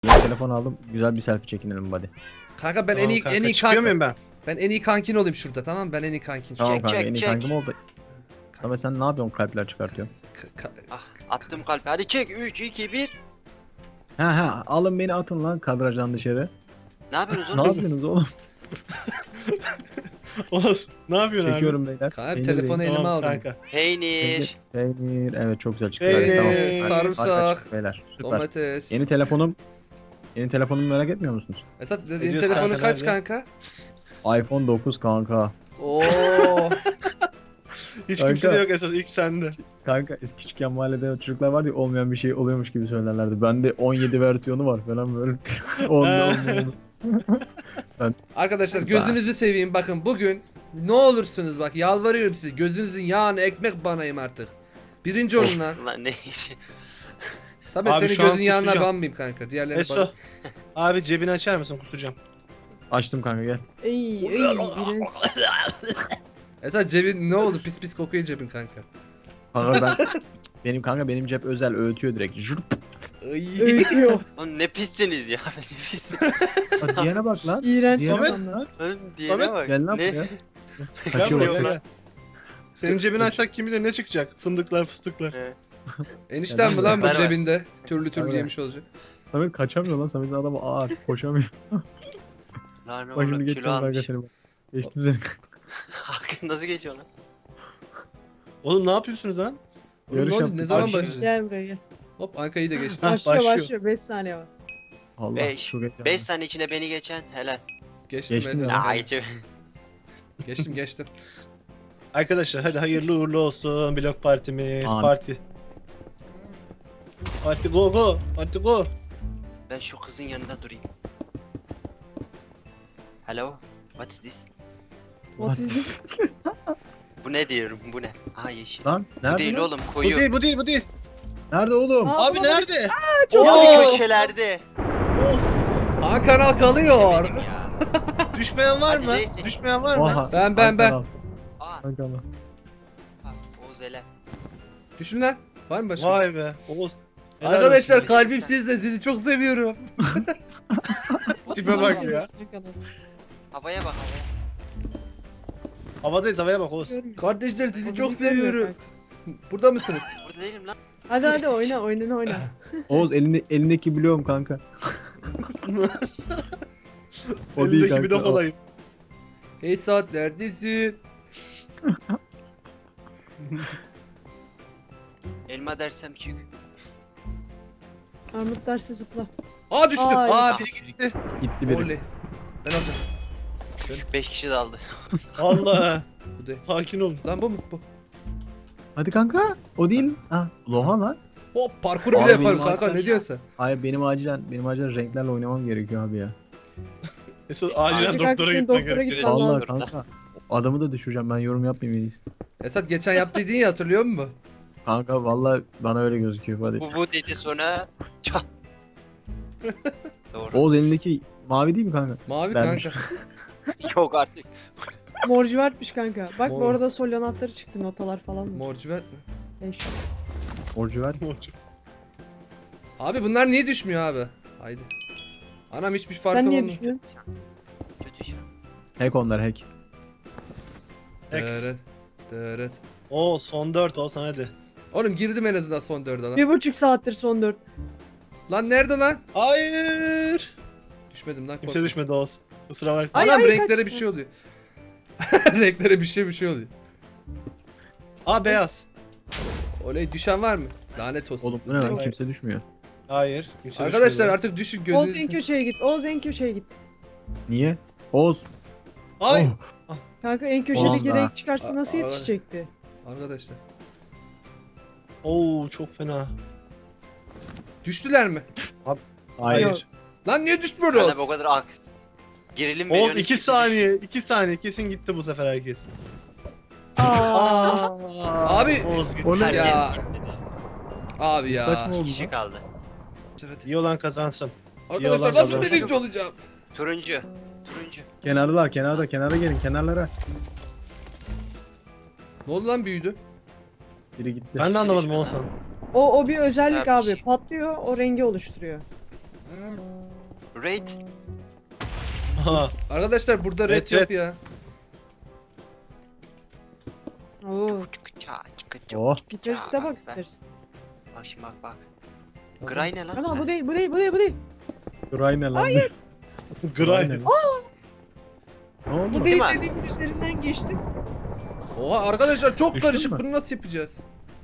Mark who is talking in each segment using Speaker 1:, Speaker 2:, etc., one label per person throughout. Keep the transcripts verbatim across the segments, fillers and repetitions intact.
Speaker 1: Yeni telefon aldım. Güzel bir selfie çekinelim buddy.
Speaker 2: Kanka ben
Speaker 3: Tamam
Speaker 2: en iyi
Speaker 3: kanka,
Speaker 2: en iyi
Speaker 3: çıkıyor
Speaker 2: kanka.
Speaker 3: muyum ben?
Speaker 2: Ben en iyi kankin olayım şurada, tamam mı? Ben en iyi kankin.
Speaker 1: Tamam
Speaker 4: Çek,
Speaker 1: kanka
Speaker 4: çek,
Speaker 1: en iyi
Speaker 4: çek.
Speaker 1: kankim oldu. Tamam sen ne yapıyorsun, kalpler çıkartıyorsun?
Speaker 2: Ka- ka-
Speaker 4: Ah, attım kalp. Hadi çek. üç, iki, bir.
Speaker 1: Ha ha alın beni atın lan kadrajdan dışarı.
Speaker 4: Ne yapıyorsunuz
Speaker 1: Ne
Speaker 4: oğlum?
Speaker 1: yapıyorsunuz oğlum?
Speaker 3: Oğuz ne yapıyorsun
Speaker 1: Çekiyorum beyler.
Speaker 2: Kanka,
Speaker 1: Peynir
Speaker 2: telefonu
Speaker 1: değil.
Speaker 3: abi?
Speaker 2: elime
Speaker 3: Tamam
Speaker 2: aldım.
Speaker 3: kanka.
Speaker 4: Peynir.
Speaker 1: Peynir. Evet çok güzel çıktı.
Speaker 3: Peynir,
Speaker 1: Evet, tamam.
Speaker 2: Peynir,
Speaker 1: Harika,
Speaker 2: sarımsak,
Speaker 1: harika çıktı beyler. Süper.
Speaker 2: Domates.
Speaker 1: Yeni telefonum. Yeni telefonumu merak etmiyor musunuz?
Speaker 2: Esat yeni
Speaker 3: diyorsun
Speaker 2: telefonu
Speaker 3: kanka,
Speaker 2: kaç
Speaker 3: nerede?
Speaker 2: kanka?
Speaker 1: iPhone dokuz kanka.
Speaker 2: Oo.
Speaker 3: Hiç
Speaker 1: Kanka.
Speaker 3: kimse de yok esas, ilk sende.
Speaker 1: Kanka eski küçükken mahallede çocuklar vardı ya, olmayan bir şey oluyormuş gibi söylerlerdi. Bende on yedi versiyonu var falan böyle. Olmuyor olmuyor.
Speaker 2: Arkadaşlar gözünüzü seveyim, bakın bugün ne olursunuz bak, yalvarıyorum size, gözünüzün yağını ekmek banayım artık. Birinci olun lan.
Speaker 4: Lan ne işi?
Speaker 2: Samet
Speaker 3: Abi
Speaker 2: senin
Speaker 3: şu an
Speaker 2: gözün yağına
Speaker 3: kusacağım.
Speaker 2: banmayayım kanka. Diğerlerini ban.
Speaker 3: Eso. Abi cebini açar mısın, kusacağım.
Speaker 1: Açtım kanka gel.
Speaker 5: Ey ey iğrenç.
Speaker 2: Esat cebin ne oldu? Pis pis kokuyor cebin kanka.
Speaker 1: Kanka ben benim kanka benim cep özel öğütüyor direkt. Jurp.
Speaker 2: Ay.
Speaker 5: Öğütüyor.
Speaker 4: Oğlum ne pissiniz ya. Ne pis.
Speaker 1: Bak diyene bak lan.
Speaker 5: İğrenç
Speaker 1: Diyene bak.
Speaker 5: insanlar.
Speaker 4: Oğlum diyene
Speaker 3: Samet,
Speaker 4: bak.
Speaker 1: Gel lan
Speaker 4: Ne?
Speaker 1: buraya.
Speaker 3: Gel
Speaker 1: Kaçıyor
Speaker 3: buraya
Speaker 1: bak.
Speaker 3: gel. Senin cebini açsak kim bilir ne çıkacak? Fındıklar fıstıklar.
Speaker 4: Ne?
Speaker 2: Enişten mi
Speaker 1: Gel
Speaker 2: lan bu
Speaker 4: ver, ver.
Speaker 2: cebinde? Türlü türlü
Speaker 1: Ver, ver.
Speaker 2: yemiş olacak.
Speaker 1: Samet kaçamıyor lan. Samet'in adamı ağır. Koşamıyor.
Speaker 4: Lan
Speaker 1: Bak şimdi
Speaker 4: oğlum kilo
Speaker 1: geçeceğim kanka
Speaker 4: almış.
Speaker 1: seni. Geçtim seni.
Speaker 4: Hakkın nasıl geçiyor lan?
Speaker 3: Oğlum ne yapıyorsunuz lan?
Speaker 2: Oğlum,
Speaker 1: Yarış
Speaker 2: ne oldu?
Speaker 1: yaptık.
Speaker 2: Ne zaman
Speaker 3: Başlıyor.
Speaker 2: başlayacak?
Speaker 5: Gel buraya gel.
Speaker 2: Hop Anka'yı da geçti.
Speaker 3: Hah,
Speaker 5: Başlıyor
Speaker 3: başlıyor.
Speaker 5: başlıyor. beş saniye var.
Speaker 1: Allah
Speaker 4: Beş.
Speaker 1: çok heyecanlı.
Speaker 4: beş saniye içinde beni geçen helal.
Speaker 2: Geçtim,
Speaker 1: Geçtim
Speaker 2: ben.
Speaker 1: ya.
Speaker 4: Aa geçiyor.
Speaker 2: Geçtim geçtim.
Speaker 3: Arkadaşlar hadi hayırlı uğurlu olsun blok partimiz.
Speaker 1: Amin.
Speaker 3: Parti. Parti go go. Parti go.
Speaker 4: Ben şu kızın yanında durayım. Hello. What is this?
Speaker 5: What is this?
Speaker 4: Bu ne diyorum? Bu ne? Aa yeşil.
Speaker 1: Lan
Speaker 4: Bu
Speaker 1: nerede
Speaker 4: değil
Speaker 1: lan?
Speaker 4: oğlum
Speaker 3: Bu
Speaker 4: koyu.
Speaker 3: değil bu değil bu değil.
Speaker 1: Nerede oğlum?
Speaker 5: Aa,
Speaker 3: Abi
Speaker 5: baba,
Speaker 3: nerede?
Speaker 5: çok
Speaker 4: Yani
Speaker 3: Oo!
Speaker 4: köşelerde.
Speaker 3: Of.
Speaker 2: Aa, kanal kalıyor.
Speaker 4: Benim ya.
Speaker 3: Düşmeyen var
Speaker 4: Hadi
Speaker 3: mı?
Speaker 4: neyse.
Speaker 3: Düşmeyen var mı?
Speaker 1: Oha.
Speaker 2: Ben, ben, ben.
Speaker 1: Kanka,
Speaker 4: Aa.
Speaker 1: kanka, kanka.
Speaker 4: Ha, Oğuz helal.
Speaker 2: Düşün lan. Var mı başka?
Speaker 3: Vay be. Oğuz. Helal
Speaker 2: Arkadaşlar
Speaker 3: olsun.
Speaker 2: kalbim sizde. Sizi çok seviyorum.
Speaker 3: Tipe bak ya.
Speaker 4: Havaya bak havaya.
Speaker 3: Havadayız, havaya bak Oğuz.
Speaker 2: Kardeşler sizi
Speaker 5: O
Speaker 2: çok
Speaker 5: bizi görmüyor
Speaker 2: seviyorum. Burada mısınız?
Speaker 4: Burada değilim lan.
Speaker 5: Hadi hadi oyna oyna oyna.
Speaker 1: Oğuz elinde, elindeki bloğum kanka. O değil
Speaker 3: Elindeki
Speaker 1: kanka,
Speaker 3: blok
Speaker 1: o.
Speaker 3: olayım.
Speaker 2: Hey saat neredesin?
Speaker 4: Elma dersem çık.
Speaker 5: Armut dersi zıpla.
Speaker 2: Aa düştüm.
Speaker 5: Ay.
Speaker 3: Aa biri gitti.
Speaker 1: Gitti biri.
Speaker 2: Oley. Ben alacağım.
Speaker 4: beş kişi daldı.
Speaker 3: Allah.
Speaker 2: Bu de.
Speaker 3: Sakin olun.
Speaker 2: Lan bu mu? Bu.
Speaker 1: Hadi kanka. O değil. Ha, Loha lan.
Speaker 2: Hop parkuru
Speaker 1: Abi
Speaker 2: bile yaparım
Speaker 1: benim
Speaker 2: kanka, ne
Speaker 1: arkadaş-
Speaker 2: diyorsun sen?
Speaker 1: Hayır benim acilen benim acilen renklerle oynamam gerekiyor abi ya.
Speaker 3: Mesut acilen
Speaker 5: Azıcık
Speaker 3: doktora
Speaker 5: haklısın,
Speaker 3: gitmen
Speaker 5: doktora
Speaker 3: gerekiyor.
Speaker 5: git lan.
Speaker 1: Vallahi
Speaker 5: lazım.
Speaker 1: kanka. Adamı da düşüreceğim, ben yorum yapmayayım en iyisi.
Speaker 2: Esat geçen yaptıydın ya, hatırlıyor musun?
Speaker 1: Kanka vallahi bana öyle gözüküyor hadi.
Speaker 4: Bu bu dedi sonra çat. Doğru.
Speaker 1: Oğuz elindeki mavi değil mi kanka?
Speaker 2: Mavi
Speaker 1: Vermiş.
Speaker 2: kanka.
Speaker 4: Yok artık.
Speaker 5: Morcivertmiş kanka. Bak
Speaker 2: Mor.
Speaker 5: bu arada sol anahtarı çıktı, notalar falan mı?
Speaker 2: Morcivert mi?
Speaker 5: Beş.
Speaker 1: Orcu ver.
Speaker 2: Abi bunlar niye düşmüyor abi? Haydi. Anam hiçbir farkı
Speaker 5: Sen niye
Speaker 2: olmuyor.
Speaker 5: düşünüyorsun?
Speaker 4: Kötü şey.
Speaker 1: Hack onlar hack.
Speaker 3: Hack.
Speaker 2: Evet. Evet.
Speaker 3: Oo son dört olsan hadi.
Speaker 2: Oğlum girdim en azından son dörde lan.
Speaker 5: Bir buçuk saattir son dört.
Speaker 2: Lan nerede lan?
Speaker 3: Hayır.
Speaker 2: Düşmedim lan.
Speaker 3: Kimse
Speaker 2: korkma.
Speaker 3: düşmedi Oğuz. Kusura bakma.
Speaker 5: Ay,
Speaker 2: Anam
Speaker 5: ay,
Speaker 2: renklere
Speaker 5: kaç-
Speaker 2: bir şey oluyor. Renklere bir şey bir şey oluyor.
Speaker 3: Aa beyaz.
Speaker 2: Oley, düşen var mı? Lanet olsun.
Speaker 1: Oğlum bu ne lan,
Speaker 3: Hayır.
Speaker 1: kimse düşmüyor.
Speaker 3: Hayır. Kimse
Speaker 2: Arkadaşlar
Speaker 3: düşmedi.
Speaker 2: artık düşün
Speaker 5: Oğuz en
Speaker 2: gözünüzü.
Speaker 5: köşeye git. Oğuz en köşeye git.
Speaker 1: Niye? Oğuz.
Speaker 3: Ay.
Speaker 1: Oh.
Speaker 5: Kanka en köşedeki
Speaker 1: Allah.
Speaker 5: renk çıkarsa nasıl
Speaker 2: Aa,
Speaker 5: yetişecekti?
Speaker 2: Arkadaşlar.
Speaker 3: Oo çok fena.
Speaker 2: Düştüler mi?
Speaker 1: Hayır.
Speaker 5: Yok.
Speaker 2: Lan niye düşmüyoruz?
Speaker 4: Hala bu kadar aks. Gerilim
Speaker 3: Oğuz
Speaker 4: veriyorsun,
Speaker 3: iki
Speaker 4: kimse
Speaker 3: saniye. iki saniye kesin gitti bu sefer herkes.
Speaker 5: Aa.
Speaker 3: Aa.
Speaker 2: Abi-
Speaker 3: Oğuz gitti.
Speaker 1: O ne
Speaker 4: düşmüyor.
Speaker 2: Ya.
Speaker 4: Herkes gitmedi.
Speaker 2: Abi ya.
Speaker 1: Saçma oldu
Speaker 4: İki kişi
Speaker 1: lan.
Speaker 4: kaldı.
Speaker 3: İyi olan kazansın.
Speaker 2: Arkadaşlar
Speaker 3: Yalan
Speaker 2: nasıl
Speaker 3: yalan.
Speaker 2: birinci olacağım?
Speaker 4: Turuncu. Turuncu.
Speaker 1: Kenarlar kenarda kenara gelin kenarlara.
Speaker 2: Ne oldu lan, büyüdü?
Speaker 1: Biri gitti.
Speaker 3: Ben de anlamadım Oğuzhan.
Speaker 5: O o bir özellik
Speaker 4: Ya,
Speaker 5: abi.
Speaker 4: bir şey-
Speaker 5: Patlıyor, o rengi oluşturuyor.
Speaker 4: Raid.
Speaker 3: Aha.
Speaker 2: Arkadaşlar burada red
Speaker 3: Evet,
Speaker 2: yok
Speaker 3: evet.
Speaker 2: ya.
Speaker 5: Oo.
Speaker 4: Çıkıça çıkıça.
Speaker 1: Oh.
Speaker 5: Gitariste bak
Speaker 4: ben-
Speaker 5: gitariste.
Speaker 4: Bak şimdi bak bak. Gray ne lan?
Speaker 5: Ana bu değil bu değil bu değil bu değil.
Speaker 1: Gray ne lan? Hayır.
Speaker 3: Gray.
Speaker 1: Ne oldu?
Speaker 5: Bu
Speaker 4: Değil
Speaker 5: değil
Speaker 4: mi?
Speaker 5: dediğimin üzerinden geçtim.
Speaker 2: Oha arkadaşlar çok
Speaker 1: Düştün
Speaker 2: karışık.
Speaker 1: mü?
Speaker 2: Bunu nasıl yapacağız?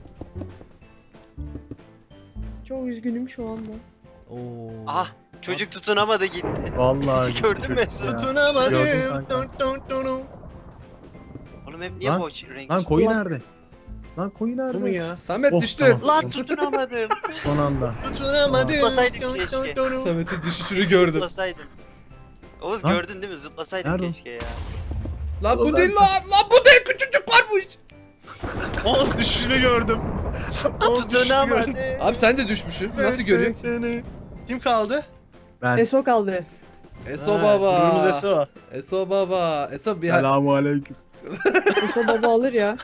Speaker 5: Çok üzgünüm şu anda.
Speaker 2: Oo.
Speaker 4: Aha çocuk tutunamadı gitti.
Speaker 1: Vallahi
Speaker 4: Gördün mü?
Speaker 1: çocuk ya.
Speaker 3: Tutunamadım.
Speaker 1: Gördüm kanka.
Speaker 3: Dun dun dun dun.
Speaker 4: Oğlum hep niye
Speaker 1: Lan-
Speaker 4: bu renk?
Speaker 1: Lan koyu
Speaker 5: Ulan-
Speaker 1: nerede? Lan koyu nerede?
Speaker 3: Bu mu ya?
Speaker 2: Samet
Speaker 1: Oh,
Speaker 2: düştü.
Speaker 1: tamam.
Speaker 4: Lan tutunamadım.
Speaker 1: Son anda.
Speaker 3: Tutunamadım.
Speaker 4: Zıplasaydık
Speaker 3: Dun dun
Speaker 4: keşke.
Speaker 3: dun dun.
Speaker 2: Samet'in düşüşünü gördüm.
Speaker 4: Zıplasaydım. Oğuz
Speaker 1: Lan.
Speaker 4: gördün değil mi? Zıplasaydık
Speaker 1: Nerede o?
Speaker 4: keşke ya.
Speaker 2: Lan bu
Speaker 1: Ulan
Speaker 2: değil
Speaker 1: ben-
Speaker 2: lan. Lan bu değil, küçücük varmış.
Speaker 3: Oğuz düşüşünü gördüm. Oğuz düşüşünü
Speaker 4: Tutunamadım.
Speaker 3: gördüm.
Speaker 2: Abi sen de düşmüşsün. Nasıl görüyorsun?
Speaker 3: Kim kaldı?
Speaker 1: Ben.
Speaker 5: Eso kaldı.
Speaker 2: Eso
Speaker 3: Ha,
Speaker 2: baba.
Speaker 3: Gururumuz Eso.
Speaker 2: Eso baba. Eso bir
Speaker 1: Selamun aleyküm.
Speaker 5: Eso baba alır ya.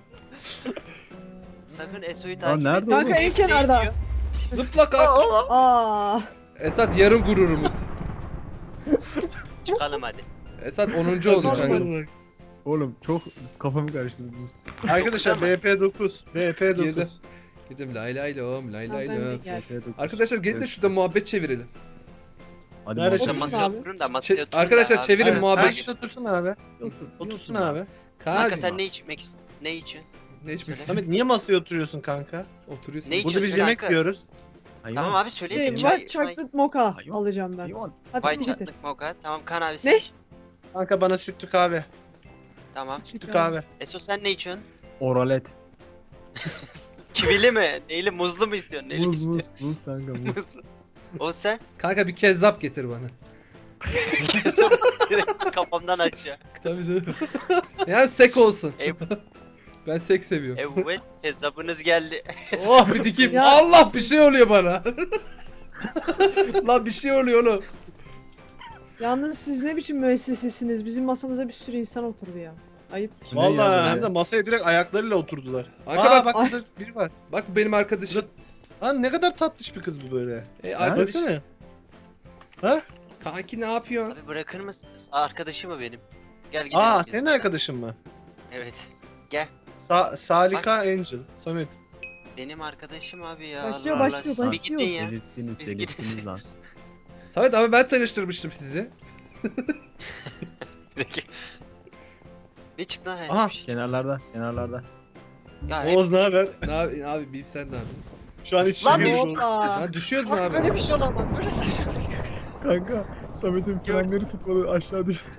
Speaker 4: Sakın Eso'yu
Speaker 1: Lan
Speaker 4: takip
Speaker 1: nerede
Speaker 4: etme.
Speaker 1: oğlum?
Speaker 5: Kanka en kenarda.
Speaker 2: zıpla kalk.
Speaker 5: Aa.
Speaker 2: Esat yarım gururumuz.
Speaker 4: Çıkalım hadi.
Speaker 2: Esat onuncu oldu
Speaker 5: Tamam.
Speaker 2: kanka.
Speaker 1: Oğlum çok kafamı karıştırdınız.
Speaker 3: Arkadaşlar B P dokuz. B P
Speaker 2: Girdi.
Speaker 3: dokuz.
Speaker 2: Gidelim lay lay lom lay
Speaker 5: Ha,
Speaker 2: lay
Speaker 5: ben de
Speaker 2: lom.
Speaker 5: geldim.
Speaker 2: Arkadaşlar gelin de şurada muhabbet çevirelim.
Speaker 1: Hadi
Speaker 3: Nerede
Speaker 1: bakalım.
Speaker 4: Sen
Speaker 5: Oturun
Speaker 4: masaya
Speaker 5: abi.
Speaker 4: oturun da
Speaker 2: Çe-
Speaker 4: masaya oturun da
Speaker 2: arkadaşlar
Speaker 4: abi.
Speaker 2: çevirin
Speaker 3: Aynen.
Speaker 2: muhabbet.
Speaker 3: Herkes otursun abi.
Speaker 1: Otur,
Speaker 3: Otursun abi.
Speaker 4: Kanka
Speaker 2: Kanka
Speaker 4: sen ne içmek istiyorsun? Ne içiyorsun?
Speaker 2: ne içmek
Speaker 3: Samet
Speaker 2: istiyorsun?
Speaker 3: niye masaya oturuyorsun kanka?
Speaker 2: Oturuyorsun.
Speaker 4: Ne
Speaker 3: Burada
Speaker 4: içiyorsun
Speaker 3: biz yemek
Speaker 4: kanka?
Speaker 3: yiyoruz.
Speaker 1: Hayvan.
Speaker 4: Tamam abi söyleyin.
Speaker 5: Şey,
Speaker 4: çay,
Speaker 5: white chocolate mocha alacağım ben.
Speaker 1: Hayvan.
Speaker 5: Hadi
Speaker 4: White
Speaker 5: getir.
Speaker 4: chocolate mocha. Tamam kan abi
Speaker 5: Ne?
Speaker 4: sen.
Speaker 3: Kanka bana sütlü kahve.
Speaker 4: Tamam.
Speaker 3: Sütlü kahve.
Speaker 4: Eso sen ne içiyorsun?
Speaker 1: Oralet.
Speaker 4: Kivili mi? Neyle muzlu mu istiyorsun? Neyle
Speaker 1: Muz
Speaker 4: istiyorsun?
Speaker 1: muz muz kanka muz.
Speaker 4: Muzlu. O sen?
Speaker 2: Kanka bir kezzap getir bana.
Speaker 4: Eso direkt kafamdan aşağı.
Speaker 2: Tabii canım. Yani sek olsun.
Speaker 4: Ev,
Speaker 2: Ben sek seviyorum.
Speaker 4: evet hesabınız geldi.
Speaker 2: Oh bir dikeyim.
Speaker 5: Ya-
Speaker 2: Allah bir şey oluyor bana. Lan bir şey oluyor oğlum.
Speaker 5: Yalnız siz ne biçim müessesesiniz? Bizim masamıza bir sürü insan oturdu ya. Ayıptır.
Speaker 1: Ne ya
Speaker 3: Vallahi hem
Speaker 1: böyle?
Speaker 3: de masaya direkt ayaklarıyla oturdular.
Speaker 2: Kanka
Speaker 3: Aa
Speaker 2: bak,
Speaker 3: bak
Speaker 5: Ay.
Speaker 3: burada biri var.
Speaker 2: bak bu benim arkadaşım.
Speaker 3: Lan ne kadar tatlış bir kız bu böyle.
Speaker 2: E, arkadaş.
Speaker 3: Baksana. Ha?
Speaker 2: Kanki ne yapıyorsun?
Speaker 4: Abi bırakır mısınız? Arkadaşım mı benim? Gel gidelim.
Speaker 3: Aa
Speaker 4: biz.
Speaker 3: senin arkadaşın mı?
Speaker 4: Evet. Gel.
Speaker 3: Sa Salika Angel. Samet.
Speaker 4: Benim arkadaşım abi ya.
Speaker 5: Başlıyor,
Speaker 4: Allah
Speaker 5: başlıyor,
Speaker 4: Allah. Bir
Speaker 5: başlıyor.
Speaker 4: gidin ya.
Speaker 1: Delirttiniz
Speaker 4: Biz
Speaker 1: delirttiniz lan.
Speaker 2: Samet ama ben tanıştırmıştım sizi.
Speaker 4: Peki. Ne çıktı lan?
Speaker 3: Aha,
Speaker 4: Bir şey.
Speaker 1: Kenarlarda kenarlarda.
Speaker 4: Ya hep-
Speaker 3: Oğuz ne haber?
Speaker 2: Ne abi, abi bir sen ne yapıyorsun?
Speaker 3: Şu an hiç
Speaker 4: Lan
Speaker 3: şey
Speaker 4: ne
Speaker 3: değil.
Speaker 4: oldu?
Speaker 5: Hoppa.
Speaker 2: Lan düşüyoruz mu
Speaker 4: Bak
Speaker 2: abi?
Speaker 4: böyle bir şey olamaz. Böyle saçmalık.
Speaker 1: Kanka Samet'in frenleri tutmadı aşağı düştü.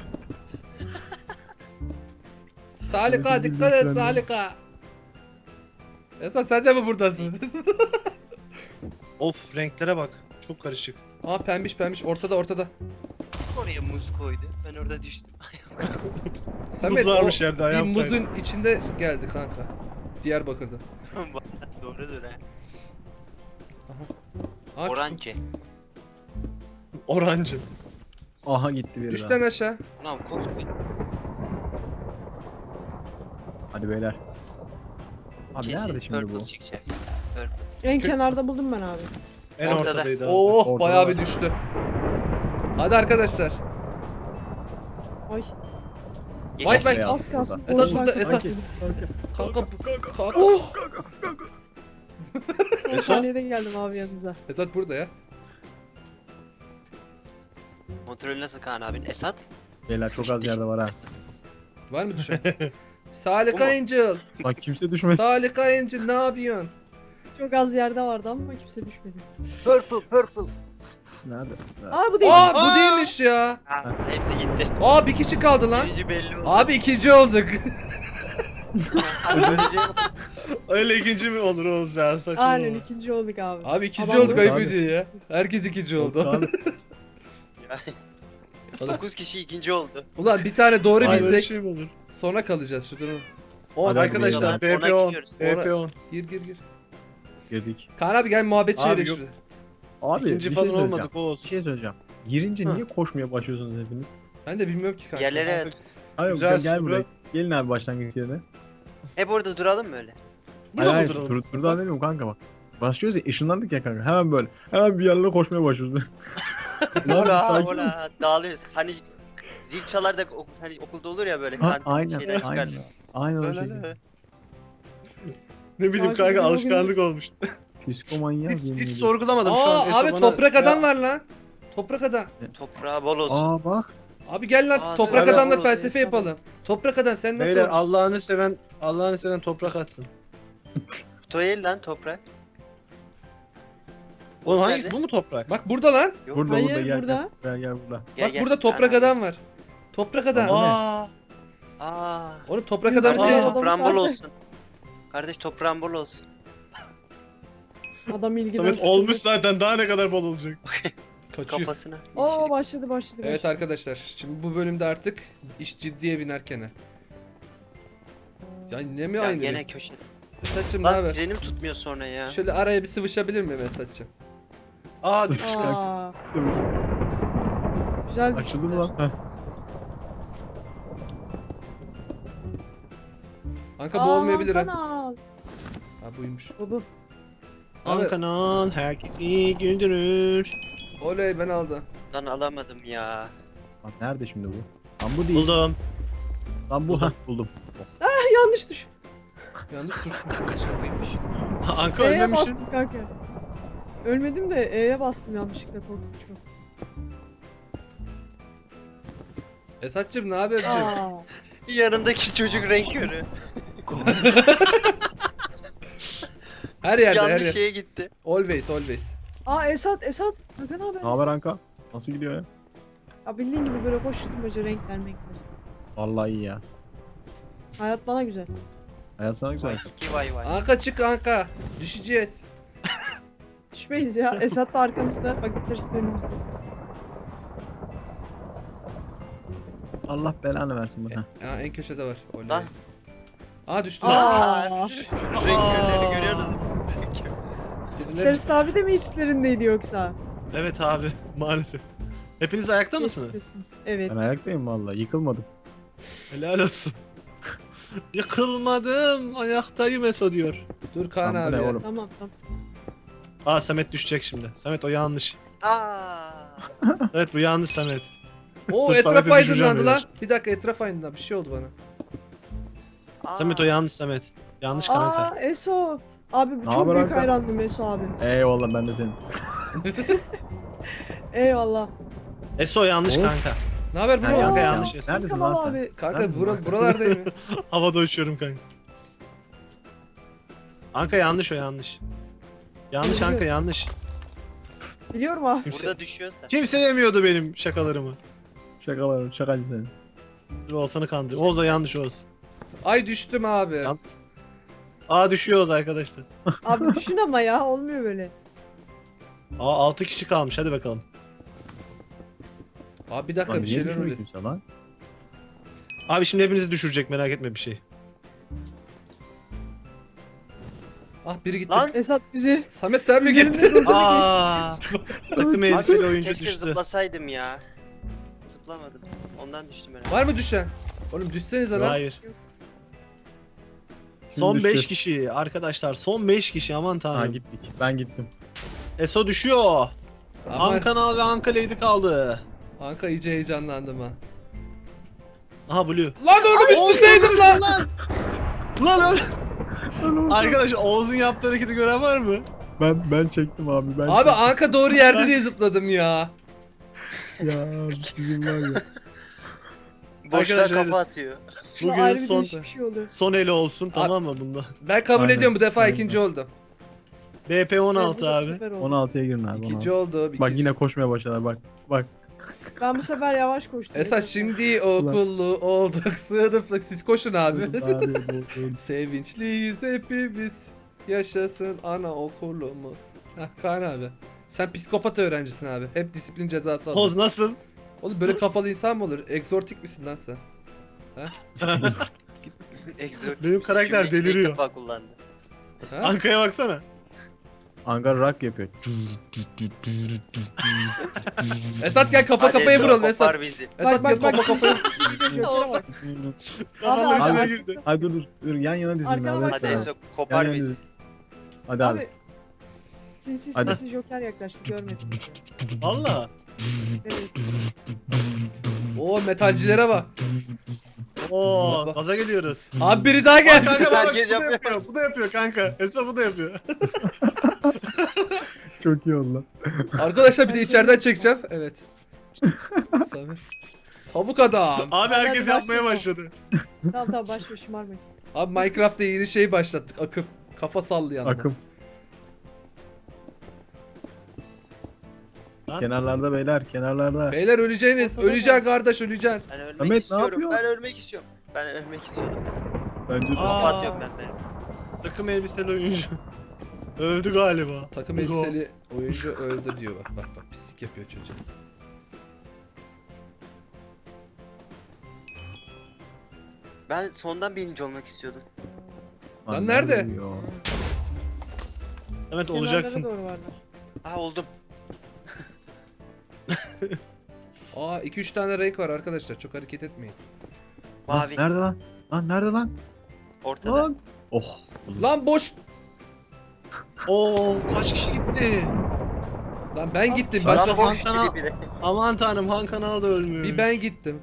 Speaker 2: Salika
Speaker 1: Samet'in
Speaker 2: dikkat et
Speaker 1: bildiği
Speaker 2: Salika. Esat sen de mi buradasın?
Speaker 3: Of renklere bak. Çok karışık.
Speaker 2: Aa pembiş pembiş ortada ortada.
Speaker 4: Oraya muz koydu. Ben orada düştüm.
Speaker 2: Samet
Speaker 3: Muz
Speaker 2: o
Speaker 3: varmış yerde
Speaker 2: bir
Speaker 3: ayağım
Speaker 2: muzun içinde geldi kanka. Diyarbakır'da.
Speaker 4: Doğrudur ha.
Speaker 2: Aa, çıktım.
Speaker 4: Oranje.
Speaker 3: Orancı.
Speaker 1: Aha gitti biri
Speaker 2: Düş
Speaker 1: daha.
Speaker 2: lan aşağı.
Speaker 4: Ulan kokmuyor.
Speaker 1: Hadi beyler. Abi
Speaker 4: Kesin
Speaker 1: nerede şimdi bu?
Speaker 4: purple çıkacak.
Speaker 5: En kenarda buldum ben abi.
Speaker 3: En
Speaker 4: Ortada.
Speaker 3: ortadaydı abi.
Speaker 2: Oh
Speaker 1: Ortada
Speaker 2: bayağı
Speaker 1: var.
Speaker 2: bir düştü. Hadi arkadaşlar.
Speaker 5: Ay
Speaker 2: Vay
Speaker 4: Geçen-
Speaker 2: vay.
Speaker 1: Beyaz
Speaker 5: az kalsın.
Speaker 2: Esat
Speaker 5: boş
Speaker 2: burada,
Speaker 5: varsa-
Speaker 2: Esat.
Speaker 1: Kanka.
Speaker 2: Kanka kanka.
Speaker 5: Oh!
Speaker 1: Kanka.
Speaker 5: Son saniyede geldim abi yanınıza.
Speaker 2: Esat burada ya.
Speaker 4: Kontrolü nasıl Kaan abin? Esat?
Speaker 1: Beyler çok az yerde var ha.
Speaker 2: Var mı düşen? Salika
Speaker 4: Bu mu?
Speaker 2: Angel.
Speaker 1: Bak kimse düşmedi.
Speaker 2: Salika Angel ne yapıyorsun?
Speaker 5: Çok az yerde vardı ama kimse düşmedi.
Speaker 4: Purple purple.
Speaker 1: Nerede? Nerede?
Speaker 5: Aa bu değil.
Speaker 2: Aa bu
Speaker 3: Aa!
Speaker 2: değilmiş ya.
Speaker 4: Ha, hepsi gitti.
Speaker 2: Aa bir kişi kaldı lan.
Speaker 4: Birinci belli oldu.
Speaker 2: Abi ikinci olduk.
Speaker 3: Öyle ikinci mi olur Oğuz ya? Saçma.
Speaker 5: Aynen ikinci olduk abi.
Speaker 2: Abi ikinci
Speaker 5: Adam
Speaker 2: olduk
Speaker 5: bu-
Speaker 2: ayıp
Speaker 1: Abi.
Speaker 2: ediyor ya. Herkes ikinci oldu.
Speaker 1: Abi,
Speaker 4: dokuz kişi ikinci oldu.
Speaker 2: Ulan bir tane doğru
Speaker 3: Ay, böyle
Speaker 2: bilsek
Speaker 3: şey mi olur?
Speaker 2: sonra kalacağız şu durum. On.
Speaker 1: Hadi
Speaker 3: Arkadaşlar
Speaker 4: beyler.
Speaker 3: B P on.
Speaker 4: Ona gidiyoruz.
Speaker 3: B P on.
Speaker 2: Gir gir gir.
Speaker 1: girdik.
Speaker 2: Kaan abi gel muhabbet
Speaker 3: Abi
Speaker 2: çevirelim
Speaker 3: yok.
Speaker 2: şurada.
Speaker 1: Abi
Speaker 3: İkinci
Speaker 1: bir şey
Speaker 3: falan
Speaker 1: söyleyeceğim.
Speaker 3: olmadık Oğuz.
Speaker 1: Bir şey söyleyeceğim. Girince
Speaker 3: Ha.
Speaker 1: niye koşmaya başlıyorsunuz hepiniz?
Speaker 2: Ben de bilmiyorum ki kanka.
Speaker 4: Yerlere
Speaker 1: Hayır
Speaker 3: Güzel
Speaker 1: gel, gel
Speaker 3: soru.
Speaker 1: buraya. Gelin abi başlangıç yerine.
Speaker 4: hep orada duralım mı öyle?
Speaker 3: Burada
Speaker 1: Hayır
Speaker 3: mı
Speaker 1: hayır
Speaker 3: duralım?
Speaker 1: tur, turdan demiyorum kanka bak. Başlıyoruz ya ışınlandık ya kanka. Hemen böyle. Hemen bir yerlere koşmaya başlıyoruz. Lan
Speaker 4: Ola
Speaker 1: sakin ol.
Speaker 4: ola dağılıyoruz. Hani zil çalar da ok- hani okulda olur ya böyle
Speaker 1: Ha,
Speaker 4: kantin
Speaker 1: aynen,
Speaker 4: şeyler çıkar.
Speaker 1: aynen. Aynen o
Speaker 4: Öyle
Speaker 1: şekilde.
Speaker 4: öyle.
Speaker 3: Ne bileyim
Speaker 5: Takip
Speaker 3: kanka
Speaker 5: ediyor
Speaker 3: alışkanlık olmuştu.
Speaker 1: Psikomanyak
Speaker 3: Hiç,
Speaker 1: yemin
Speaker 3: hiç
Speaker 1: ediyorum.
Speaker 3: sorgulamadım şu an.
Speaker 2: Aa
Speaker 3: Eso
Speaker 2: abi
Speaker 3: bana-
Speaker 2: toprak
Speaker 3: Ya,
Speaker 2: adam var lan. Toprak adam.
Speaker 4: Toprağı bol olsun.
Speaker 1: Aa bak.
Speaker 2: Abi gel lan
Speaker 4: Aa,
Speaker 2: toprak
Speaker 3: tabii.
Speaker 2: adamla
Speaker 4: Olur,
Speaker 2: felsefe
Speaker 5: olur.
Speaker 2: yapalım. Toprak adam sen nasıl
Speaker 3: Beyler
Speaker 2: olursun?
Speaker 3: Allah'ını seven Allah'ını seven toprak atsın.
Speaker 4: Toyel lan toprak.
Speaker 3: Oğlum
Speaker 4: Nerede?
Speaker 3: hangisi bu mu toprak?
Speaker 2: Bak burada lan.
Speaker 4: Yok.
Speaker 1: Burada
Speaker 5: Hayır,
Speaker 1: burada gel
Speaker 5: burada.
Speaker 1: gel. Gel gel burada.
Speaker 4: Gel,
Speaker 2: Bak
Speaker 4: gel.
Speaker 2: burada toprak
Speaker 4: Aa,
Speaker 2: adam var. Toprak adam.
Speaker 1: Tamam.
Speaker 3: Aa,
Speaker 4: Aa.
Speaker 2: Oğlum toprak
Speaker 5: Biz
Speaker 2: adamı
Speaker 5: de-
Speaker 2: sev.
Speaker 5: Aa.
Speaker 4: Toprağın bol
Speaker 5: zaten.
Speaker 4: olsun. Kardeş toprağın bol olsun.
Speaker 5: Adam ilgiden
Speaker 3: Samet
Speaker 5: sıkıldı.
Speaker 3: olmuş zaten daha ne kadar bol olacak.
Speaker 2: Kaçıyor.
Speaker 4: Kafasına.
Speaker 5: Oo başladı başladı.
Speaker 2: Evet
Speaker 5: başladı.
Speaker 2: arkadaşlar şimdi bu bölümde artık iş ciddiye binerken. Ya ne mi
Speaker 4: Ya
Speaker 2: aynı?
Speaker 4: gene köşe.
Speaker 2: Mesatçım ne
Speaker 4: Lan
Speaker 2: haber?
Speaker 4: frenim tutmuyor sonra ya.
Speaker 2: Şöyle araya bir sıvışabilir mi Mesatçım?
Speaker 3: Aa düştü.
Speaker 5: Aa, güzel
Speaker 1: Açıldı mı
Speaker 5: düştüler.
Speaker 1: lan? Heh.
Speaker 2: Kanka bu olmayabilir ha.
Speaker 5: Kanal.
Speaker 2: Ha buymuş.
Speaker 5: Bu bu.
Speaker 2: Abi
Speaker 3: Abi. Kanal herkesi güldürür.
Speaker 2: oley ben aldım.
Speaker 4: Lan alamadım ya.
Speaker 1: Lan nerede şimdi bu? Lan bu değil.
Speaker 3: Buldum.
Speaker 1: Lan bu. Heh, buldum.
Speaker 5: Yanlış düş.
Speaker 2: Yanlış tuş.
Speaker 4: Kaşa buymuş.
Speaker 3: Anka
Speaker 5: E'ye
Speaker 3: ölmemişsin.
Speaker 5: bastım kanka. Ölmedim de E'ye bastım yanlışlıkla korkunç çok.
Speaker 2: Esatçım ne haber?
Speaker 5: Aa,
Speaker 4: Yanımdaki çocuk renk körü.
Speaker 2: Her yerde her
Speaker 4: Yanlış
Speaker 2: yerde.
Speaker 4: şeye gitti.
Speaker 2: Always always.
Speaker 5: Aa Esat Esat. Kanka ne haber?
Speaker 1: Ne haber Anka? Nasıl gidiyor ya?
Speaker 5: Ya bildiğin gibi böyle koşturmaca renkler renkler.
Speaker 1: Vallahi iyi ya.
Speaker 5: Hayat bana güzel.
Speaker 1: Hayat sana güzel.
Speaker 4: Vay iki vay vay.
Speaker 2: Anka çık Anka. Düşeceğiz.
Speaker 5: Düşmeyiz ya. Esat da arkamızda. Paketler de önümüzde.
Speaker 1: Allah belanı versin bana.
Speaker 2: Ya en köşede var. Oley.
Speaker 4: Lan.
Speaker 2: Aa düştü.
Speaker 5: Aa.
Speaker 4: Aa, şu renk körlerini görüyorsunuz.
Speaker 2: Birileri-
Speaker 5: Terst abi de mi içlerindeydi yoksa?
Speaker 3: Evet abi maalesef. Hepiniz ayakta mısınız?
Speaker 5: Geçmiş olsun. Evet.
Speaker 1: Ben ayaktayım vallahi. Yıkılmadım.
Speaker 3: Helal olsun. Yıkılmadım ayaktayım Eso diyor.
Speaker 2: Dur Kaan
Speaker 1: Lan bu
Speaker 2: abi.
Speaker 1: ne
Speaker 2: ya.
Speaker 1: oğlum?
Speaker 5: Tamam tamam.
Speaker 3: Aa Samet düşecek şimdi. Samet o yanlış.
Speaker 4: Aa.
Speaker 2: Evet
Speaker 3: bu yanlış Samet.
Speaker 2: Oo
Speaker 3: Dur,
Speaker 2: etraf
Speaker 3: Samet'i
Speaker 2: aydınlandı
Speaker 3: düşüreceğim
Speaker 2: lan. Bir dakika etraf aydınlandı. Bir şey oldu bana.
Speaker 4: Aa.
Speaker 3: Samet o yanlış Samet. Yanlış kanka.
Speaker 5: Aa Eso. Abi
Speaker 1: Ne
Speaker 5: çok
Speaker 1: haber
Speaker 5: büyük
Speaker 1: Hakan?
Speaker 5: hayrandım Eso abi.
Speaker 1: Eyvallah ben de senin.
Speaker 5: Eyvallah.
Speaker 3: Eso yanlış
Speaker 1: Of.
Speaker 3: kanka.
Speaker 2: Ne haber
Speaker 1: Ha,
Speaker 2: bro?
Speaker 3: kanka
Speaker 5: Aa,
Speaker 3: yanlış Eso.
Speaker 1: Neredesin
Speaker 5: Kamal
Speaker 1: lan sen?
Speaker 5: abi.
Speaker 2: Kanka
Speaker 1: Neredesin lan
Speaker 2: bura,
Speaker 1: sen?
Speaker 2: buralardayım ya.
Speaker 3: Havada uçuyorum kanka. Kanka yanlış o yanlış. Yanlış
Speaker 5: Biliyorum.
Speaker 3: kanka yanlış.
Speaker 5: Biliyorum abi.
Speaker 3: Kimse,
Speaker 4: Burada düşüyorsa.
Speaker 3: kimse yemiyordu benim şakalarımı.
Speaker 1: Şakalar, şakacı senin.
Speaker 3: Dur Oğuzhan'ı kandır. Oğuz da yanlış Oğuz.
Speaker 2: Ay düştüm abi.
Speaker 3: Yan- Aa düşüyoruz arkadaşlar.
Speaker 5: Abi düşün ama ya olmuyor böyle.
Speaker 3: Aa altı kişi kalmış hadi bakalım.
Speaker 2: Abi bir dakika
Speaker 1: Lan
Speaker 2: bir
Speaker 1: niye
Speaker 2: şeyler
Speaker 1: düşmüyor
Speaker 2: oluyor.
Speaker 1: kimse lan?
Speaker 3: Abi şimdi hepinizi düşürecek merak etme bir şey.
Speaker 2: Ah biri gitti.
Speaker 4: Lan.
Speaker 5: Esat üzeri.
Speaker 2: Samet sen mi
Speaker 5: üzerinde
Speaker 2: gittin?
Speaker 5: durdu.
Speaker 3: Aa takım elbiseli oyuncu
Speaker 4: Keşke
Speaker 3: düştü.
Speaker 4: zıplasaydım ya. Zıplamadım. Ondan düştüm herhalde.
Speaker 2: Var mı düşen? Oğlum düşsenize lan.
Speaker 3: Hayır.
Speaker 5: Yok.
Speaker 3: Son
Speaker 1: Kim
Speaker 3: beş
Speaker 1: düştü?
Speaker 3: kişi arkadaşlar. Son beş kişi aman
Speaker 1: Ha
Speaker 3: tanrım.
Speaker 1: gittik. Ben gittim.
Speaker 3: Eso düşüyor.
Speaker 2: Ama
Speaker 3: Ankanal ve Anka Lady kaldı.
Speaker 2: Anka iyice heyecanlandım ha.
Speaker 3: Aha Blue.
Speaker 2: Lan oğlum üstündeydim lan.
Speaker 3: Lan lan lan. Arkadaş Oğuz'un yaptığı hareketi gören var mı?
Speaker 1: Ben ben çektim abi. Ben
Speaker 2: Abi
Speaker 1: çektim.
Speaker 2: Anka doğru yerde diye zıpladım ya.
Speaker 1: Ya sizin var ya.
Speaker 4: Boşluğa
Speaker 3: Arkadaşlar,
Speaker 4: kafa atıyor.
Speaker 5: Şuna
Speaker 3: Bugün
Speaker 5: ayrı bir
Speaker 3: son
Speaker 5: değişik bir şey oluyor.
Speaker 3: son eli olsun tamam mı bunda?
Speaker 2: Ben kabul
Speaker 1: Aynen,
Speaker 2: ediyorum bu defa
Speaker 1: aynen.
Speaker 2: ikinci oldum.
Speaker 3: B P on altı
Speaker 5: Bu da
Speaker 3: abi.
Speaker 5: süper oldu.
Speaker 1: on altıya girin abi.
Speaker 2: İkinci
Speaker 1: on altı.
Speaker 2: oldu.
Speaker 1: Bak
Speaker 2: ikinci.
Speaker 1: yine koşmaya başladılar bak. Bak.
Speaker 5: Ben bu sefer yavaş koştum.
Speaker 2: Esas şimdi okullu olduk sınıflık siz koşun abi.
Speaker 1: Abi, bu- bu-
Speaker 2: Sevinçliyiz hepimiz. Yaşasın anaokulumuz. Hah Kaan abi. Sen psikopat öğrencisin abi. Hep disiplin cezası
Speaker 3: Oğuz
Speaker 2: alıyorsun.
Speaker 3: nasıl?
Speaker 2: Oğlum böyle kafalı insan mı olur? Egzortik misin lan sen?
Speaker 4: Exort.
Speaker 3: Benim karakter
Speaker 4: Cümleyi ilk
Speaker 3: deliriyor.
Speaker 4: defa kullandı.
Speaker 2: Ha?
Speaker 3: Anka'ya baksana.
Speaker 1: Ankara rock yapıyor.
Speaker 2: Esat gel kafa
Speaker 4: Hadi
Speaker 2: kafaya
Speaker 4: Ezra,
Speaker 2: vuralım
Speaker 4: kopar
Speaker 2: Esat.
Speaker 4: bizi.
Speaker 2: Esat
Speaker 5: Bak
Speaker 2: gel
Speaker 5: bak bak.
Speaker 2: kafa kafaya.
Speaker 5: Göklere bak.
Speaker 3: Kafanın
Speaker 5: abi,
Speaker 3: içine
Speaker 5: abi.
Speaker 3: girdi.
Speaker 1: Hadi dur dur. Dur yan yana dizilin
Speaker 5: Arkana
Speaker 1: abi.
Speaker 5: bak.
Speaker 4: Hadi
Speaker 5: Tamam.
Speaker 4: Ezra kopar
Speaker 1: Yan yana
Speaker 4: bizi.
Speaker 1: dizilin. Hadi abi.
Speaker 5: Abi Sinsi
Speaker 1: Hadi.
Speaker 5: sinsi Joker yaklaştı görmedim. bizi.
Speaker 3: Valla.
Speaker 5: Evet.
Speaker 2: Oo metalcilere bak.
Speaker 3: Oo
Speaker 2: Bak, bak.
Speaker 3: gaza geliyoruz.
Speaker 2: Abi biri daha
Speaker 3: Bak
Speaker 2: geldi.
Speaker 3: kanka bak, bak,
Speaker 4: Herkes
Speaker 3: bu da
Speaker 4: yapıyor.
Speaker 3: yapıyor. Bu da yapıyor kanka. Esra bu da yapıyor.
Speaker 1: Çok iyi oldu lan.
Speaker 2: Arkadaşlar bir de içeriden çekeceğim. Evet. Samet. Tavuk adam.
Speaker 3: Abi
Speaker 5: Hadi
Speaker 3: herkes
Speaker 5: hadi
Speaker 3: yapmaya
Speaker 5: başlayalım.
Speaker 3: başladı.
Speaker 5: Tamam tamam başla şımarmayın.
Speaker 2: Abi Minecraft'ta yeni şey başlattık. Akım. Kafa sallayan.
Speaker 1: Akım.
Speaker 3: Lan.
Speaker 1: Kenarlarda beyler, kenarlarda.
Speaker 2: Beyler öleceğiniz.
Speaker 5: Ortada
Speaker 2: Öleceksin kardeş öleceksin.
Speaker 4: Ben ölmek
Speaker 1: Samet, ne
Speaker 4: istiyorum.
Speaker 1: yapıyorsun?
Speaker 4: Ben ölmek istiyorum. Ben ölmek istiyorum.
Speaker 1: Bence de.
Speaker 3: Aa.
Speaker 4: Kafa atıyorum ben de.
Speaker 3: Takım elbiseli oyuncu. Öldü galiba.
Speaker 2: Takım elbiseli oyuncu öldü diyor bak bak bak pislik yapıyor çocuk.
Speaker 4: Ben sondan birinci olmak istiyordum.
Speaker 2: Lan nerede?
Speaker 1: Yo.
Speaker 3: Evet
Speaker 5: Kenarlara
Speaker 3: olacaksın.
Speaker 5: doğru varlar.
Speaker 4: Aa oldum.
Speaker 2: Aa iki üç tane renk var arkadaşlar çok hareket etmeyin.
Speaker 1: Lan,
Speaker 4: Mavi.
Speaker 1: nerede lan? Lan nerede lan?
Speaker 4: Ortada.
Speaker 1: Lan. Oh.
Speaker 2: Lan boş.
Speaker 3: Oo kaç kişi gitti?
Speaker 2: Lan ben gittim
Speaker 3: Lan
Speaker 2: başka
Speaker 3: boş.
Speaker 4: boş
Speaker 3: Hakan'a-
Speaker 4: gibi bile.
Speaker 3: Aman tanrım Han Kanal da ölmüyor.
Speaker 2: bir ben gittim.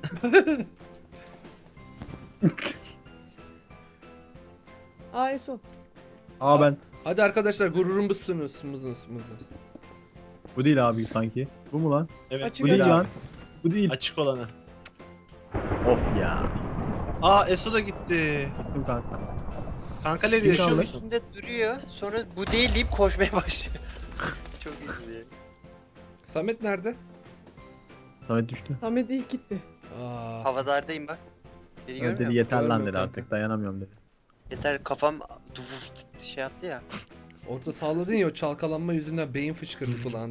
Speaker 5: Aa Eso.
Speaker 1: Aa ben.
Speaker 2: Hadi arkadaşlar gururumuzsunuz mızınız mızınız.
Speaker 1: Bu değil abi sanki. Bu mu lan?
Speaker 3: Evet
Speaker 5: Açık
Speaker 3: bu
Speaker 1: Bu değil
Speaker 3: değil
Speaker 1: lan.
Speaker 3: abi.
Speaker 1: Bu değil.
Speaker 3: Açık olanı.
Speaker 1: Of ya.
Speaker 3: Aa Eso da gitti.
Speaker 1: Dur kanka.
Speaker 3: Kanka ne
Speaker 1: Kim
Speaker 3: yaşıyor
Speaker 1: kaldı?
Speaker 3: musun?
Speaker 4: Üstünde duruyor. Sonra bu değil deyip koşmaya başlıyor. Çok iyi diye.
Speaker 2: Samet nerede?
Speaker 1: Samet düştü.
Speaker 5: Samet ilk gitti.
Speaker 2: Aa,
Speaker 4: Havadardayım bak. Beni
Speaker 1: Evet,
Speaker 4: görmüyor
Speaker 1: dedi
Speaker 4: musun?
Speaker 1: yeter lan
Speaker 2: Görmüyorum
Speaker 1: dedi
Speaker 2: kanka.
Speaker 1: artık dayanamıyorum dedi.
Speaker 4: Yeter kafam duvur şey yaptı ya.
Speaker 2: orada salladın ya o çalkalanma yüzünden beyin fışkırdı kulağında.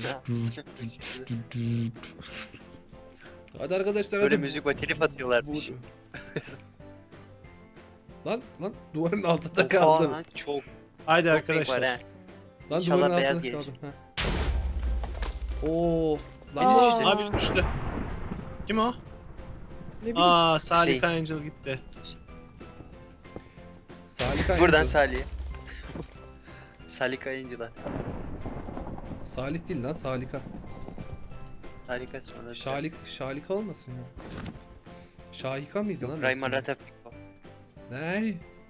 Speaker 2: Hadi arkadaşlar
Speaker 4: Böyle
Speaker 2: hadi.
Speaker 4: müzik var telif atıyorlar.
Speaker 2: Bu-
Speaker 4: Bir şey.
Speaker 2: Lan lan duvarın altında
Speaker 4: Oha
Speaker 2: kaldım.
Speaker 4: lan çok
Speaker 3: Haydi
Speaker 4: çok renk var
Speaker 3: arkadaşlar.
Speaker 4: he.
Speaker 2: Lan
Speaker 4: İnşallah
Speaker 2: duvarın
Speaker 4: beyaz
Speaker 2: altında
Speaker 4: gelir.
Speaker 2: kaldım. Ha. Oo. Lan
Speaker 5: Aa.
Speaker 2: ne işte?
Speaker 3: Abi düştü. Kim o?
Speaker 5: Ne bileyim.
Speaker 3: Aa Salih
Speaker 4: Şey.
Speaker 3: Angel gitti.
Speaker 2: Salih
Speaker 4: Buradan
Speaker 2: Angel.
Speaker 4: Salih'e. Salih Kayıncılar.
Speaker 2: Salih değil lan Salika.
Speaker 4: Harika sonra.
Speaker 2: Şalik, Şalika olmasın ya. Şahika mıydı lan?
Speaker 4: Rayman
Speaker 2: resmi?
Speaker 4: Ratafiko.
Speaker 2: Ne?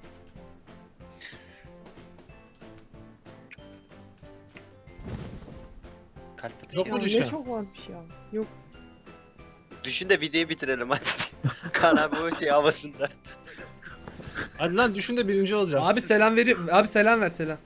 Speaker 4: Kalp atışı.
Speaker 3: Yok
Speaker 5: Ya
Speaker 3: mu
Speaker 5: ne
Speaker 3: düşen?
Speaker 5: çok varmış ya. Yok.
Speaker 4: Düşün de videoyu bitirelim hadi. Kaan abi o şey havasında.
Speaker 3: Hadi lan düşün de birinci olacağım.
Speaker 2: Abi selam verip abi selam ver selam.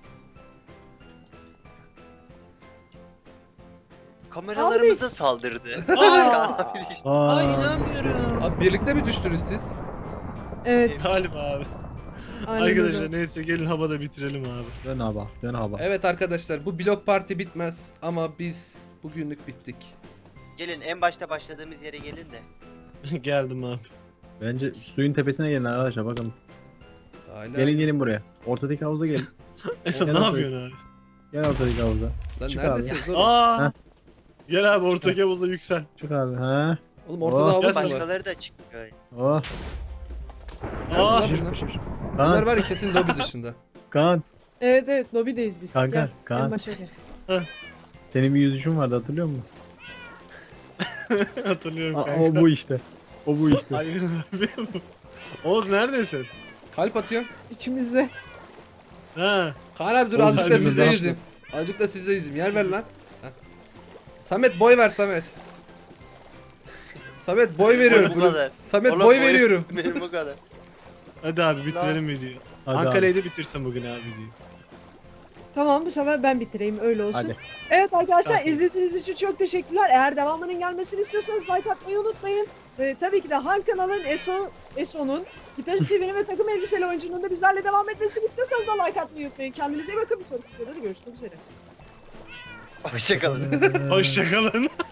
Speaker 4: Kameralarımıza saldırdı.
Speaker 3: Aa!
Speaker 4: Kaan abi düştü.
Speaker 1: Aa.
Speaker 3: Ay inanmıyorum.
Speaker 2: Abi birlikte mi düştünüz siz?
Speaker 5: Evet.
Speaker 3: Galiba abi.
Speaker 5: Aynen
Speaker 3: Arkadaşlar
Speaker 5: öyle.
Speaker 3: neyse gelin havada bitirelim abi.
Speaker 1: Dön hava. Dön hava.
Speaker 2: Evet arkadaşlar bu blok parti bitmez ama biz bugünlük bittik.
Speaker 4: Gelin en başta başladığımız yere gelin de.
Speaker 3: Geldim abi.
Speaker 1: Bence suyun tepesine gelin arkadaşlar bakalım.
Speaker 2: Hala...
Speaker 1: Gelin gelin buraya. Ortadaki havuza gelin.
Speaker 3: Esat
Speaker 1: Gel
Speaker 3: ne
Speaker 1: abi.
Speaker 3: yapıyorsun abi?
Speaker 1: Gel ortadaki havuza.
Speaker 2: Lan
Speaker 1: Çık
Speaker 2: neredesiniz oğlum?
Speaker 3: Aa!
Speaker 1: Heh.
Speaker 3: Gel abi ortaki havuza yüksel.
Speaker 1: Çık abi. Ha.
Speaker 2: Oğlum ortada
Speaker 1: Oh.
Speaker 2: havuz
Speaker 3: Gel
Speaker 2: mu var?
Speaker 4: Başkaları da çıkıyor.
Speaker 1: Oh.
Speaker 3: Aa!
Speaker 2: Lan
Speaker 1: Şiş,
Speaker 2: bunlar.
Speaker 1: şiş, şiş.
Speaker 2: Bunlar
Speaker 1: Kaan.
Speaker 2: var ya kesin lobi dışında.
Speaker 1: Kaan.
Speaker 5: Evet evet lobideyiz biz.
Speaker 1: Kanka,
Speaker 5: Gel.
Speaker 1: Kaan.
Speaker 5: En başa gel.
Speaker 1: Senin bir yüzüşün vardı hatırlıyor musun?
Speaker 3: Hatırlıyorum
Speaker 1: Aa,
Speaker 3: kanka.
Speaker 1: o bu işte. O bu işte.
Speaker 3: Hayır abi. Oğuz neredesin?
Speaker 2: Kalp atıyor.
Speaker 5: İçimizde.
Speaker 3: Ha.
Speaker 2: Kaan abi dur
Speaker 1: Oğlum,
Speaker 2: azıcık da
Speaker 3: kalbimiz
Speaker 2: size
Speaker 3: rahatsız.
Speaker 2: yüzeyim. Azıcık da size yüzeyim. Yer ver lan. Heh. Samet boy ver Samet. Samet boy veriyorum.
Speaker 4: bu kadar.
Speaker 2: Samet
Speaker 4: Oğlum,
Speaker 2: boy
Speaker 4: boy-
Speaker 2: veriyorum.
Speaker 4: Benim bu kadar.
Speaker 3: Hadi abi bitirelim videoyu.
Speaker 1: Hadi abi.
Speaker 3: Ankara'yı da bitirsin bugün abi videoyu.
Speaker 5: Tamam bu sefer ben bitireyim öyle olsun.
Speaker 1: Hadi.
Speaker 5: Evet arkadaşlar
Speaker 3: Tamam.
Speaker 5: izlediğiniz için çok teşekkürler. Eğer devamının gelmesini istiyorsanız like atmayı unutmayın. Ve tabii ki de Han kanalın Eso Eso'nun Gitarist T V'nin ve takım elbiseli oyuncunun da bizlerle devam etmesini istiyorsanız da like atmayı unutmayın. Kendinize iyi bakın. Bir sonraki videoda da görüşmek üzere.
Speaker 4: Hoşçakalın.
Speaker 3: Hoşçakalın.